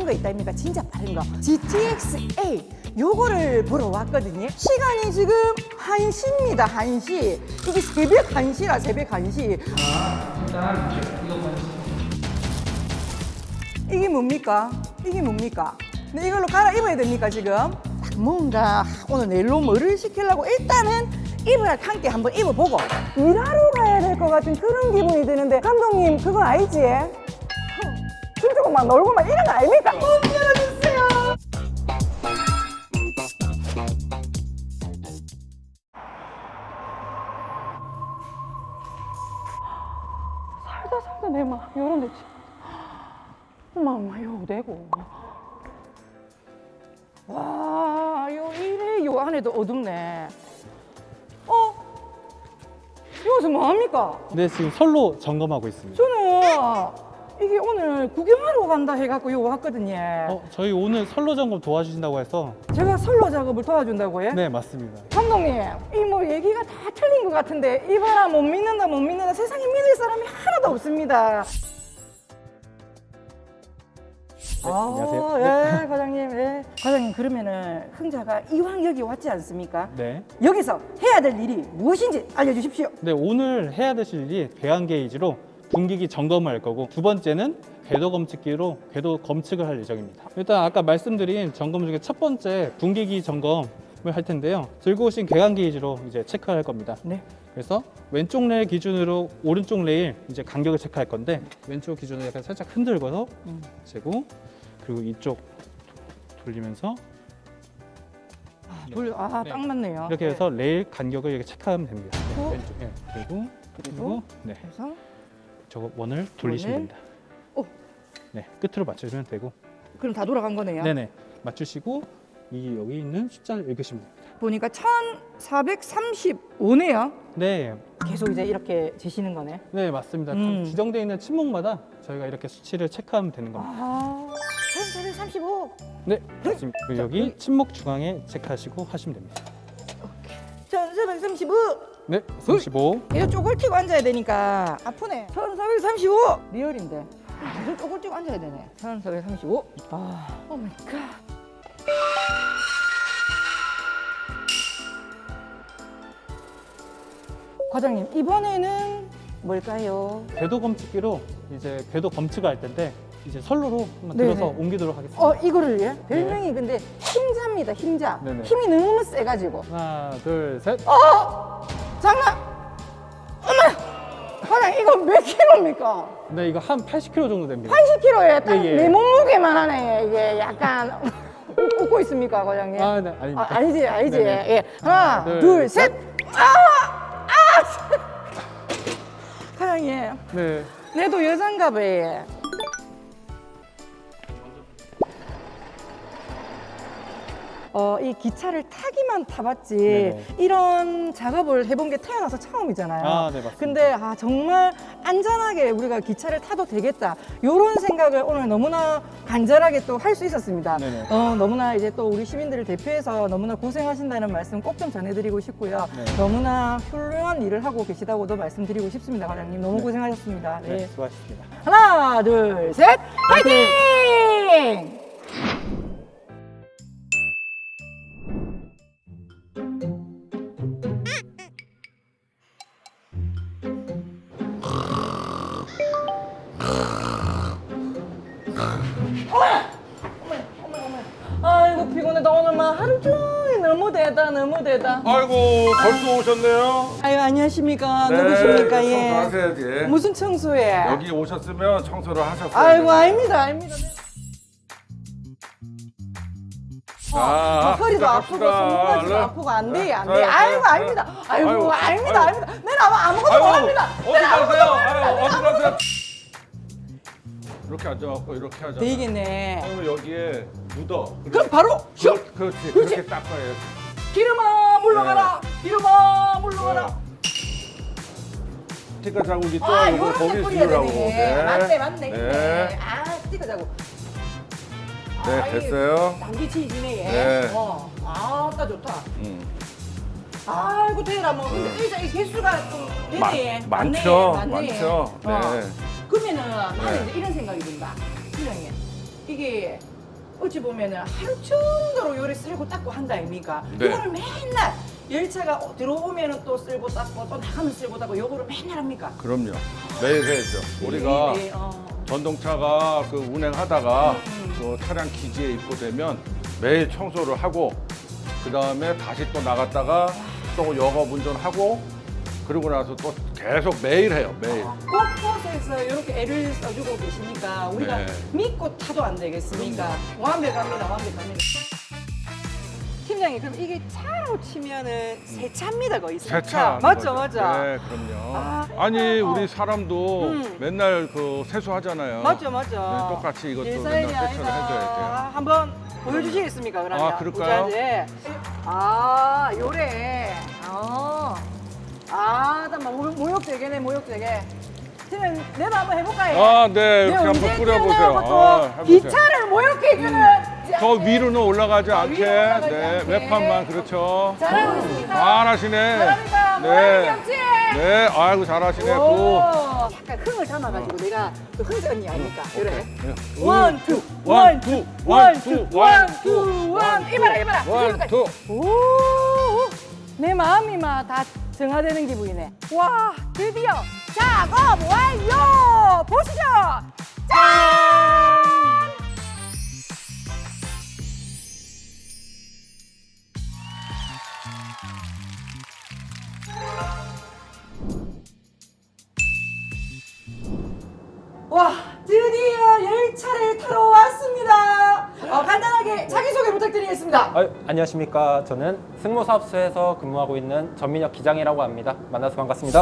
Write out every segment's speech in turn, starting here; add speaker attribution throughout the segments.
Speaker 1: 거 있다 입니까? 진짜 빠른 거. GTX-A 요거를 보러 왔거든요. 시간이 지금 1시입니다. 1시. 이게 새벽 1시라 새벽 1시.
Speaker 2: 일단 이거 먼저.
Speaker 1: 이게 뭡니까? 이게 뭡니까? 근데 이걸로 갈아입어야 됩니까 지금? 뭔가 오늘 내일로 뭐를 시키려고 일단은 입을 함께 한번 입어보고 일하러 가야 될 것 같은 그런 기분이 드는데 감독님 그거 알지? 춤추고 막 놀고 막 이런 거 아닙니까? 열어주세요. 살다 내 막 이런 데 어마 이거 되고 와 요 이래 요 안에도 어둡네. 여기서 뭐합니까?
Speaker 3: 네, 지금 선로 점검하고 있습니다.
Speaker 1: 저는 이게 오늘 구경하러 간다 해갖고 요 왔거든요.
Speaker 3: 저희 오늘 선로 점검 도와주신다고 해서.
Speaker 1: 제가 선로 작업을 도와준다고요?
Speaker 3: 네, 맞습니다.
Speaker 1: 감독님 이 뭐 얘기가 다 틀린 것 같은데 이봐라 못 믿는다 세상에 믿을 사람이 하나도 없습니다.
Speaker 3: 안녕하세요.
Speaker 1: 예, 과장님. 예. 과장님 그러면은 흥자가 이왕 여기 왔지 않습니까?
Speaker 3: 네.
Speaker 1: 여기서 해야 될 일이 무엇인지 알려주십시오.
Speaker 3: 네, 오늘 해야 되실 일이 배관 게이지로 분기기 점검을 할 거고, 두 번째는 궤도 검측기로 궤도 검측을 할 예정입니다. 일단 아까 말씀드린 점검 중에 첫 번째 분기기 점검을 할 텐데요. 들고 오신 배관 게이지로 이제 체크할 겁니다.
Speaker 1: 네.
Speaker 3: 그래서 왼쪽 레일 기준으로 오른쪽 레일 이제 간격을 체크할 건데, 왼쪽 기준으로 약간 살짝 흔들고서 재고, 그리고 이쪽 돌리면서 네.
Speaker 1: 딱 맞네요.
Speaker 3: 이렇게 해서 레일 간격을 이렇게 체크하면 됩니다. 네,
Speaker 1: 어?
Speaker 3: 왼쪽, 네. 그리고 네,
Speaker 1: 해서
Speaker 3: 저거 원을 돌리시면
Speaker 1: 원을?
Speaker 3: 됩니다.
Speaker 1: 오.
Speaker 3: 네, 끝으로 맞춰주면 되고,
Speaker 1: 그럼 다 돌아간 거네요.
Speaker 3: 네네, 맞추시고 이 여기 있는 숫자를 읽으시면 됩니다.
Speaker 1: 보니까 1435네요.
Speaker 3: 네,
Speaker 1: 계속 이제 이렇게 재시는 거네.
Speaker 3: 네 맞습니다.
Speaker 1: 음.
Speaker 3: 지정되어 있는 침목마다 저희가 이렇게 수치를 체크하면 되는 겁니다.
Speaker 1: 1435.
Speaker 3: 네, 맞습니다. 그리고 여기 침목 중앙에 체크하시고 하시면 됩니다.
Speaker 1: 1435.
Speaker 3: 네, 35.
Speaker 1: 이거 쪼글티고 앉아야 되니까 아프네. 1435. 리얼인데. 계속 쪼글티고 앉아야 되네. 1435. 오 마이 갓. 과장님, 이번에는 뭘까요?
Speaker 3: 궤도 검측기로 이제 궤도 검측을 할 텐데, 이제 선로로 한번
Speaker 1: 네네.
Speaker 3: 들어서 옮기도록 하겠습니다.
Speaker 1: 이거를 예? 별명이 근데 힘자입니다, 힘자.
Speaker 3: 네네.
Speaker 1: 힘이 너무 세가지고.
Speaker 3: 하나, 둘, 셋.
Speaker 1: 장난! 어머! 과장님, 이거 몇 킬로입니까?
Speaker 3: 네, 이거 한 80kg 정도 됩니다.
Speaker 1: 80킬로에 딱
Speaker 3: 예, 예.
Speaker 1: 내 몸무게만 하네. 이게 약간 웃고 있습니까, 과장님?
Speaker 3: 아, 네, 아닙니다.
Speaker 1: 아니지.
Speaker 3: 네네.
Speaker 1: 예. 하나, 둘, 셋. 과장님,
Speaker 3: 네.
Speaker 1: 내도 여잔가 봐요. 이 기차를 타기만 타봤지
Speaker 3: 네네.
Speaker 1: 이런 작업을 해본 게 태어나서 처음이잖아요.
Speaker 3: 아, 네, 맞습니다.
Speaker 1: 근데 정말 안전하게 우리가 기차를 타도 되겠다 이런 생각을 오늘 너무나 간절하게 또 할 수 있었습니다.
Speaker 3: 네네.
Speaker 1: 너무나 이제 또 우리 시민들을 대표해서 너무나 고생하신다는 말씀 꼭 좀 전해드리고 싶고요.
Speaker 3: 네.
Speaker 1: 너무나 훌륭한 일을 하고 계시다고도 말씀드리고 싶습니다, 과장님. 너무
Speaker 3: 네.
Speaker 1: 고생하셨습니다.
Speaker 3: 네, 수고하셨습니다.
Speaker 1: 하나, 둘, 셋, 파이팅! 아이고 피곤해. 나 오늘 막 하루 종일 너무 대다.
Speaker 4: 아이고 벌써 오셨네요.
Speaker 1: 아유 안녕하십니까. 누구십니까? 예.
Speaker 4: 청소하셔야지.
Speaker 1: 무슨 청소해?
Speaker 4: 여기 오셨으면 청소를 하셨어요.
Speaker 1: 아이고 아닙니다. 허리도 아프고 손목까지도 아프고 안 돼. 아이고 아닙니다. 아이고 아닙니다. 내가 아무것도 못합니다.
Speaker 4: 어디 가세요? 어디 가세요? 이렇게 앉아갖고 이렇게 하잖아.
Speaker 1: 되겠네.
Speaker 4: 그러면 여기에 묻어.
Speaker 1: 그럼 바로 슉!
Speaker 4: 그렇지. 그렇게 닦아야지.
Speaker 1: 기름아 물러가라. 기름아 물러가라.
Speaker 4: 스티커 자국이 또
Speaker 1: 아,
Speaker 4: 이거
Speaker 1: 요렇게
Speaker 4: 거기
Speaker 1: 뿌려야
Speaker 4: 지우라고.
Speaker 1: 되네. 맞네.
Speaker 4: 네.
Speaker 1: 스티커 자국.
Speaker 4: 네, 됐어요.
Speaker 1: 당기치지네, 얘.
Speaker 4: 네.
Speaker 1: 아따 좋다. 아이고, 대라, 뭐. 근데 의자 이 개수가 좀 되네.
Speaker 4: 많죠.
Speaker 1: 맞네.
Speaker 4: 많죠. 네.
Speaker 1: 그러면은 나는
Speaker 4: 네.
Speaker 1: 이제 이런 생각이 든다. 실장님. 이게 어찌 보면은 하루 정도로 요래 쓸고 닦고 한다 아닙니까?
Speaker 4: 네.
Speaker 1: 이거를 맨날 열차가 들어오면은 또 쓸고 닦고 또 나가면 쓸고 닦고 요거를 맨날 합니까?
Speaker 4: 그럼요. 매일 해야죠. 우리가
Speaker 1: 네,
Speaker 4: 전동차가 그 운행하다가 그 차량 기지에 입고되면 매일 청소를 하고 그 다음에 다시 또 나갔다가 또 영업 운전하고 그러고 나서 또 계속 매일 해요. 매일.
Speaker 1: 곳곳에서 이렇게 애를 써주고 계시니까 우리가
Speaker 4: 네.
Speaker 1: 믿고 타도 안 되겠습니까? 완벽합니다, 완벽합니다. 팀장님, 그럼 이게 차로 치면은 새 차입니다, 거의 새 차.
Speaker 4: 세차.
Speaker 1: 맞죠, 맞죠.
Speaker 4: 네, 그럼요.
Speaker 1: 아,
Speaker 4: 아니
Speaker 1: 어.
Speaker 4: 우리 사람도 맨날 그 세수하잖아요.
Speaker 1: 맞죠, 맞죠.
Speaker 4: 네, 똑같이 이것도
Speaker 1: 일사일이
Speaker 4: 맨날 세차를
Speaker 1: 아니라
Speaker 4: 해줘야 돼요.
Speaker 1: 한번 보여주시겠습니까, 그러면?
Speaker 4: 아, 그럴까요?
Speaker 1: 부자재. 아, 요래. 잠깐만, 모욕되게네, 모욕되게. 팀장님, 내도 한번 해볼까요?
Speaker 4: 아, 네, 이렇게 한번 뿌려보세요. 아, 해보세요.
Speaker 1: 기차를 모욕해주는
Speaker 4: 더 위로는 올라가지 않게,
Speaker 1: 올라가지
Speaker 4: 네,
Speaker 1: 않게.
Speaker 4: 외판만 그렇죠.
Speaker 1: 잘하고 있습니다.
Speaker 4: 잘하시네.
Speaker 1: 잘합니다.
Speaker 4: 네,
Speaker 1: 뭐라는 게
Speaker 4: 네, 아이고 잘하시네. 구.
Speaker 1: 오, 약간 흥을 담아가지고 내가 그 흥자 언니 아닙니까? 이래.
Speaker 4: 네.
Speaker 1: 원, 투,
Speaker 4: 원,
Speaker 1: 원,
Speaker 4: 투,
Speaker 1: 투,
Speaker 4: 원,
Speaker 1: 원,
Speaker 4: 투,
Speaker 1: 투,
Speaker 4: 원,
Speaker 1: 원,
Speaker 4: 투,
Speaker 1: 투, 원.
Speaker 4: 원,
Speaker 1: 이봐라, 이봐라.
Speaker 4: 원, 투.
Speaker 1: 오, 내 마음이 막 다 정화되는 기분이네. 와, 드디어 작업 완료! 보시죠! 짠! 와, 드디어 열차를 타러 왔습니다. 간단하게 자기소개 부탁드리겠습니다.
Speaker 5: 안녕하십니까. 저는 승모사업소에서 근무하고 있는 전민혁 기장이라고 합니다. 만나서 반갑습니다.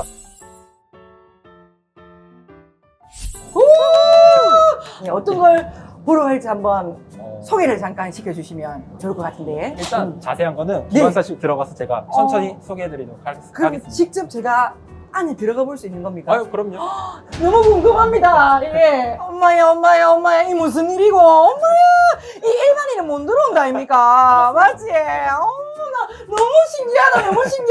Speaker 1: 네, 어떤 걸 보러 갈지 한번 소개를 잠깐 시켜주시면 좋을 것 같은데.
Speaker 5: 일단 자세한 거는
Speaker 1: 네.
Speaker 5: 기관사실 들어가서 제가 천천히 소개해드리도록
Speaker 1: 그럼
Speaker 5: 하겠습니다.
Speaker 1: 직접 제가 안에 들어가 볼 수 있는 겁니까?
Speaker 5: 그럼요.
Speaker 1: 너무 궁금합니다. 예. 엄마야, 이 무슨 일이고? 엄마야, 이 일반인은 못 들어온다 아닙니까? 맞지? 어머나, 너무 신기하다.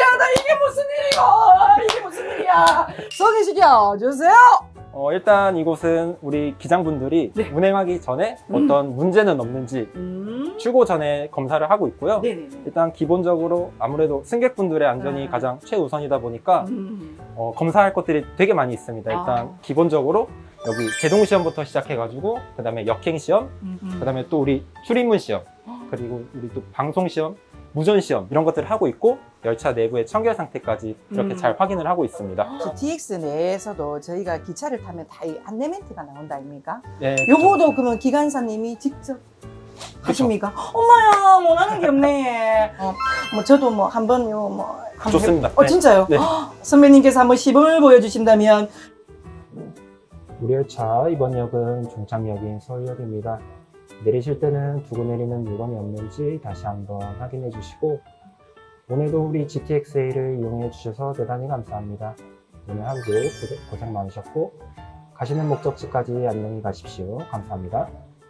Speaker 1: 이게 무슨 일이야? 소개시켜 주세요.
Speaker 5: 일단 이곳은 우리 기장분들이
Speaker 1: 네.
Speaker 5: 운행하기 전에 어떤 문제는 없는지 출고 전에 검사를 하고 있고요.
Speaker 1: 네네네.
Speaker 5: 일단 기본적으로 아무래도 승객분들의 안전이 가장 최우선이다 보니까 검사할 것들이 되게 많이 있습니다. 일단 기본적으로 여기 제동 시험부터 시작해가지고 그 다음에 역행 시험, 그 다음에 또 우리 출입문 시험, 그리고 우리 또 방송 시험, 무전 시험 이런 것들을 하고 있고 열차 내부의 청결 상태까지 이렇게 잘 확인을 하고 있습니다.
Speaker 1: GTX 내에서도 저희가 기차를 타면 다 이 안내 멘트가 나온다 아닙니까?
Speaker 5: 네,
Speaker 1: 요거도 그러면 기관사님이 직접 하십니까? 엄마야, 뭐 하는 게 없네. 뭐 저도 뭐 한번요 뭐 한번
Speaker 5: 좋습니다.
Speaker 1: 네. 진짜요?
Speaker 5: 네.
Speaker 1: 선배님께서 한번 시범을 보여주신다면.
Speaker 5: 우리 열차 이번 역은 종착역인 서울역입니다. 내리실 때는 두고 내리는 물건이 없는지 다시 한번 확인해 주시고 오늘도 우리 GTX-A를 이용해 주셔서 대단히 감사합니다. 오늘 하루도 고생 많으셨고 가시는 목적지까지 안녕히 가십시오. 감사합니다.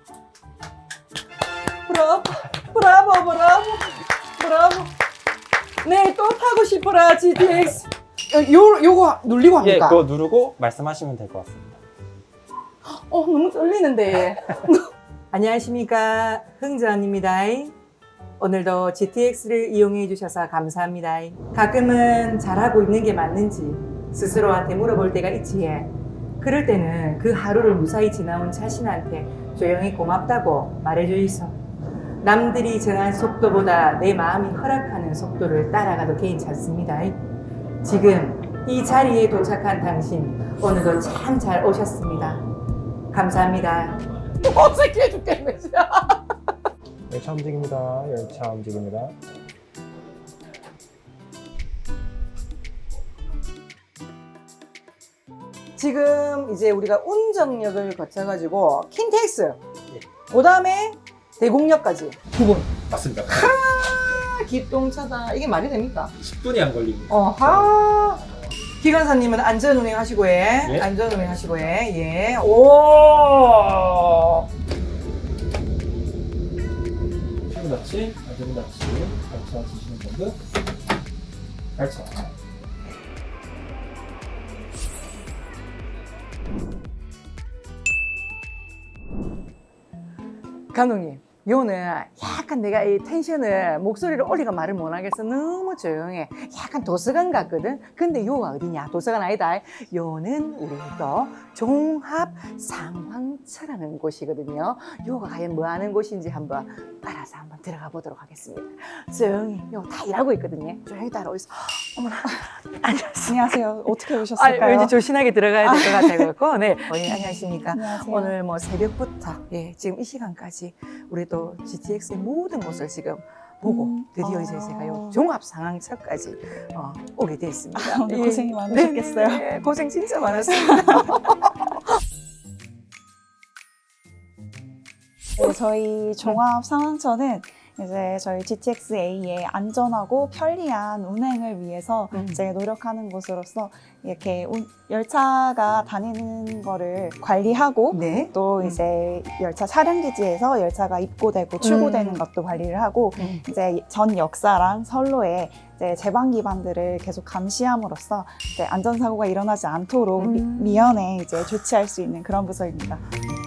Speaker 1: 브라보. 네, 또 타고 싶어라 GTX. 요거 누르고
Speaker 5: 예,
Speaker 1: 합니까?
Speaker 5: 그거 누르고 말씀하시면 될 것 같습니다.
Speaker 1: 너무 떨리는데. 안녕하십니까, 흥자입니다. 오늘도 GTX를 이용해 주셔서 감사합니다. 가끔은 잘하고 있는 게 맞는지 스스로한테 물어볼 때가 있지. 그럴 때는 그 하루를 무사히 지나온 자신한테 조용히 고맙다고 말해주이소. 남들이 정한 속도보다 내 마음이 허락하는 속도를 따라가도 괜찮습니다. 지금 이 자리에 도착한 당신 오늘도 참 잘 오셨습니다. 감사합니다. 어색해 죽겠네.
Speaker 5: 열차 움직입니다. 열차 움직입니다.
Speaker 1: 지금 이제 우리가 운정역을 거쳐가지고 킨텍스, 그 다음에 대곡역까지 9분.
Speaker 5: 맞습니다.
Speaker 1: 기똥차다. 이게 말이 됩니까?
Speaker 5: 10분이 안 걸립니다.
Speaker 1: 기관사님은 안전운행 하시고 해.
Speaker 5: 예.
Speaker 1: 안전운행 하시고 해. 예. 오.
Speaker 5: 닫힘, 안전 닫힘, 열차 지시는 정도, 열차.
Speaker 1: 감독님, 요는 약간 내가 이 텐션을 목소리를 올리가 말을 못하겠어. 너무 조용해. 약간 도서관 같거든. 근데 요가 어디냐? 도서관 아니다. 요는 우리 또 종합 상황처라는 곳이거든요. 요가 과연 뭐 하는 곳인지 한번 따라서 한번 들어가 보도록 하겠습니다. 조용히 요 다 일하고 있거든요. 조용히 따라오세요. 어머나.
Speaker 6: 안녕하세요. 어떻게 오셨을까요?
Speaker 1: 왠지 조신하게 들어가야 될 것 같아요. 네. 안녕하십니까.
Speaker 6: 안녕하세요.
Speaker 1: 오늘 뭐 새벽부터 지금 이 시간까지 우리 또 GTX의 모든 곳을 지금 보고 드디어 이제 제가 요 종합 상황처까지 오게 됐습니다.
Speaker 6: 오늘 고생이 많으셨겠어요.
Speaker 1: 네, 고생 진짜 많았습니다.
Speaker 6: 네, 저희 종합 상황처는 이제 저희 GTX-A의 안전하고 편리한 운행을 위해서 이제 노력하는 곳으로서 이렇게 열차가 다니는 거를 관리하고
Speaker 1: 네.
Speaker 6: 또 이제 열차 차량 기지에서 열차가 입고되고 출고되는 것도 관리를 하고 이제 전 역사랑 선로에 이제 제방 기반들을 계속 감시함으로써 이제 안전사고가 일어나지 않도록 미연에 이제 조치할 수 있는 그런 부서입니다.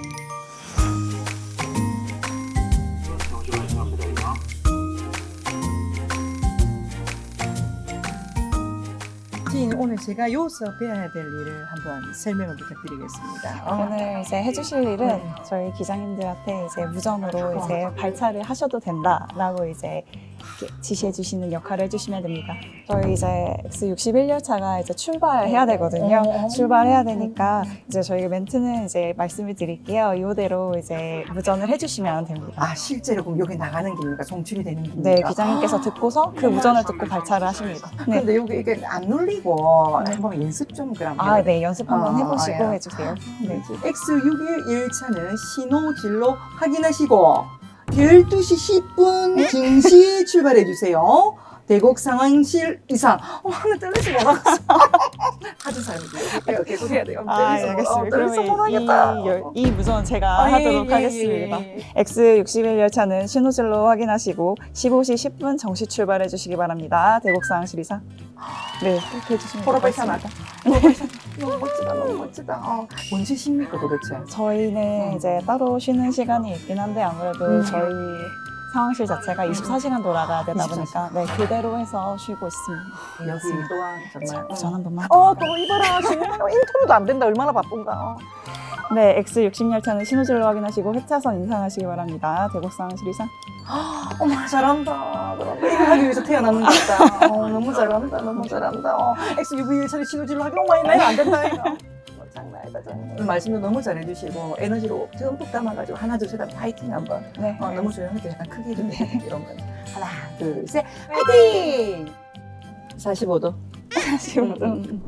Speaker 1: 오늘 제가 여기서 배워야 될 일을 한번 설명을 부탁드리겠습니다.
Speaker 6: 오늘 이제 해주실 일은 저희 기장님들한테 이제 무전으로 이제 발차를 하셔도 된다라고 이제 이렇게 지시해 주시는 역할을 해주시면 됩니다. 저희 이제 X61 열차가 이제 출발해야 되거든요. 출발해야 되니까 이제 저희가 멘트는 이제 말씀을 드릴게요. 이대로 이제 무전을 해주시면 됩니다.
Speaker 1: 아, 실제로 그럼 여기 나가는 길입니까? 송출이 되는 길입니까?
Speaker 6: 네, 기장님께서 듣고서 그 무전을 듣고 발차를 하십니다. 네.
Speaker 1: 근데 여기 이게 안 눌리고 한번 연습 좀 그럼
Speaker 6: 아, 네, 연습 한번 해보시고
Speaker 1: 예.
Speaker 6: 해주세요. 네.
Speaker 1: X61 열차는 신호진로 확인하시고 12시 10분 증시 출발해 주세요. 대곡 상황실 이상. 나 떨리지 못하겠어. 하도 사람들 계속 해야 돼요.
Speaker 6: 아, 예, 알겠습니다. 그러면 이 무전 제가 하도록 하겠습니다. X61 열차는 신호진로 확인하시고 15시 10분 정시 출발해 주시기 바랍니다. 대곡 상황실 이상. 네, 그렇게 해주시면
Speaker 1: 포로파이션
Speaker 6: 되겠습니다.
Speaker 1: 너무 멋지다, 너무 멋지다. 언제 쉽니까 도대체?
Speaker 6: 저희는 이제 따로 쉬는 시간이 있긴 한데 아무래도 저희 상황실 자체가 24시간 돌아가야 되다 보니까 네, 그대로 해서 쉬고 있습니다.
Speaker 1: 여기 또한 정말.
Speaker 6: 우선 한 번만.
Speaker 1: 또 이봐라. 지금 인터뷰도 안 된다. 얼마나 바쁜가.
Speaker 6: 네, X60 열차는 신호진로 확인하시고 회차선 인상하시기 바랍니다. 대곡 상황실 이상.
Speaker 1: 어머, 잘한다. 이거 하기 위해서 태어났는 것 같다. 너무 잘한다. 너무 잘한다. X61 차례 신호진로 하기 너무 많이 나이가 안 된다. 이거. 장난 아니다, 장난. 말씀도 너무 잘해주시고 에너지로 듬뿍 담아가지고 하나, 둘, 셋 하면 파이팅 한번.
Speaker 6: 네.
Speaker 1: 너무 조용하게 약간 크게 좀 이런 거. 하나, 둘, 셋, 파이팅! 45도.
Speaker 6: 45도.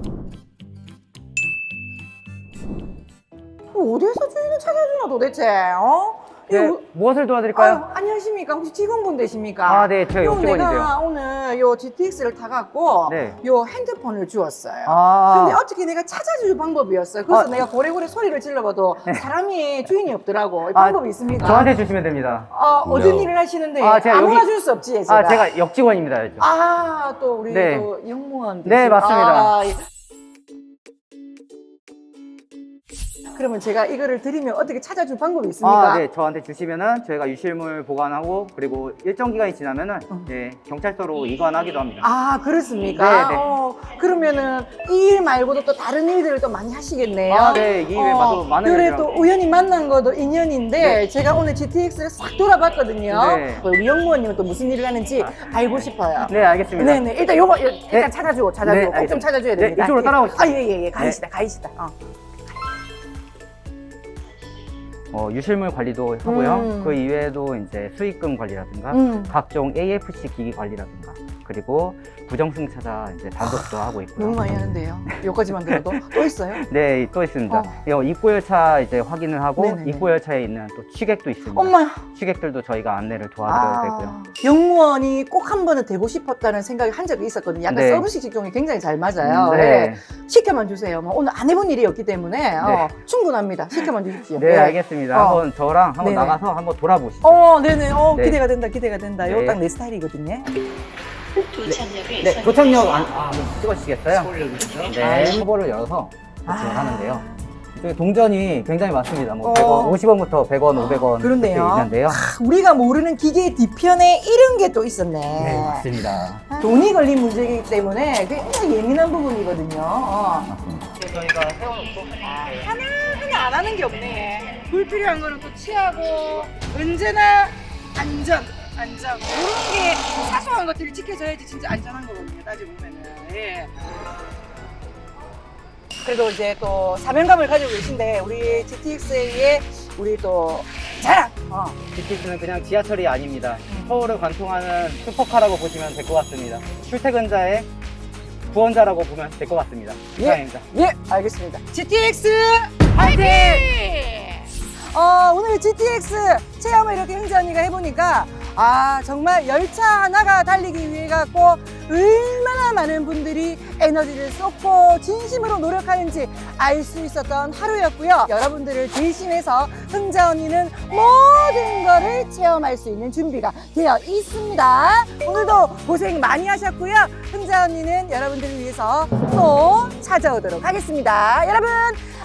Speaker 1: 어디에서 주인을 찾아주나 도대체?
Speaker 7: 네,
Speaker 1: 이거
Speaker 7: 무엇을 도와드릴까요?
Speaker 1: 아유, 안녕하십니까? 혹시 직원분 되십니까?
Speaker 7: 아, 네, 제가 역직원인데요.
Speaker 1: 내가 오늘 요 GTX를 타갖고
Speaker 7: 네.
Speaker 1: 요 핸드폰을 주었어요.
Speaker 7: 아,
Speaker 1: 근데 어떻게 내가 찾아줄 방법이었어요. 그래서
Speaker 7: 아.
Speaker 1: 내가 고래고래 소리를 질러봐도 사람이 주인이 없더라고. 이
Speaker 7: 아,
Speaker 1: 방법이 있습니까?
Speaker 7: 저한테 주시면 됩니다.
Speaker 1: 어떤
Speaker 4: No.
Speaker 1: 일을 하시는데
Speaker 7: 아, 제가
Speaker 1: 아무나
Speaker 7: 여기-
Speaker 1: 줄 수 없지, 제가.
Speaker 7: 제가 역직원입니다. 요즘.
Speaker 1: 또 우리
Speaker 7: 네.
Speaker 1: 또 영무원.
Speaker 7: 네, 맞습니다.
Speaker 1: 예. 그러면 제가 이거를 드리면 어떻게 찾아줄 방법이 있습니까?
Speaker 7: 네, 저한테 주시면은 저희가 유실물 보관하고 그리고 일정 기간이 지나면은 네, 경찰서로 이관하기도 합니다.
Speaker 1: 그렇습니까?
Speaker 7: 네, 네.
Speaker 1: 그러면은 이 일 말고도 또 다른 일들을 또 많이 하시겠네요.
Speaker 7: 네, 이 일에 봐도 많은
Speaker 1: 그래
Speaker 7: 일들하고.
Speaker 1: 또 우연히 만난 것도 인연인데 제가 오늘 GTX를 싹 돌아봤거든요.
Speaker 7: 네.
Speaker 1: 우리 영무원님은 또 무슨 일을 하는지 알고 싶어요.
Speaker 7: 네, 알겠습니다.
Speaker 1: 네네. 일단 요거 일단
Speaker 7: 네.
Speaker 1: 찾아주고
Speaker 7: 네,
Speaker 1: 꼭 좀
Speaker 7: 알겠습니다.
Speaker 1: 찾아줘야
Speaker 7: 네,
Speaker 1: 됩니다.
Speaker 7: 이쪽으로 따라오시죠.
Speaker 1: 예예예. 가이시다 가이시다.
Speaker 7: 유실물 관리도 하고요.
Speaker 1: 음.
Speaker 7: 그 이외에도 이제 수익금 관리라든가 각종 AFC 기기 관리라든가 그리고 부정승차자 이제 단속도 하고 있고요.
Speaker 1: 너무 많이 하는데요. 여기까지만 들어도 또 있어요?
Speaker 7: 네, 또 있습니다. 입고 열차 이제 확인을 하고
Speaker 1: 네네네.
Speaker 7: 입고 열차에 있는 또 취객도 있습니다.
Speaker 1: 엄마야.
Speaker 7: 취객들도 저희가 안내를 도와드려야 되고요.
Speaker 1: 영무원이 꼭 한 번은 되고 싶었다는 생각이 한 적이 있었거든요. 약간
Speaker 7: 네.
Speaker 1: 서비스 직종이 굉장히 잘 맞아요.
Speaker 7: 네.
Speaker 1: 시켜만 주세요. 뭐 오늘 안 해본 일이었기 때문에
Speaker 7: 네.
Speaker 1: 충분합니다. 시켜만 주십시오.
Speaker 7: 네, 알겠습니다. 한번 저랑 한번
Speaker 1: 네네.
Speaker 7: 나가서 한번 돌아보시죠.
Speaker 1: 네네.
Speaker 7: 네.
Speaker 1: 기대가 된다, 기대가 된다.
Speaker 7: 네.
Speaker 1: 이거 딱 내 스타일이거든요.
Speaker 7: 네, 도착역 한번 찍어주시겠어요? 네, 터보를 열어서 도착을 하는데요. 이쪽에 동전이 굉장히 많습니다. 뭐
Speaker 1: 어.
Speaker 7: 100원, 50원부터 100원, 500원
Speaker 1: 그렇네요.
Speaker 7: 이렇게 있는데요.
Speaker 1: 우리가 모르는 기계의 뒤편에 이런 게 또 있었네.
Speaker 7: 네, 맞습니다.
Speaker 1: 돈이 걸린 문제이기 때문에 굉장히 예민한 부분이거든요.
Speaker 7: 저희가 세워놓고
Speaker 1: 하나하나 안 하는 게 없네. 불필요한 거는 또 취하고 언제나 안전. 이런 게 사소한 것들이 지켜져야지 진짜 안전한 거거든요. 따지고 보면은. 예. 그래도 이제 또 사명감을 가지고 계신데 우리 GTXA의 우리 또 자랑.
Speaker 7: GTX는 그냥 지하철이 아닙니다. 서울을 관통하는 슈퍼카라고 보시면 될 것 같습니다. 출퇴근자의 구원자라고 보면 될 것 같습니다. 이상입니다.
Speaker 1: 예, 알겠습니다. GTX 화이팅! 오늘 GTX 체험을 이렇게 흥재 언니가 해보니까 정말 열차 하나가 달리기 위해 갖고 얼마나 많은 분들이 에너지를 쏟고 진심으로 노력하는지 알 수 있었던 하루였고요. 여러분들을 대신해서 흥재 언니는 모든 거를 체험할 수 있는 준비가 되어 있습니다. 오늘도 고생 많이 하셨고요. 흥재 언니는 여러분들을 위해서 또 찾아오도록 하겠습니다. 여러분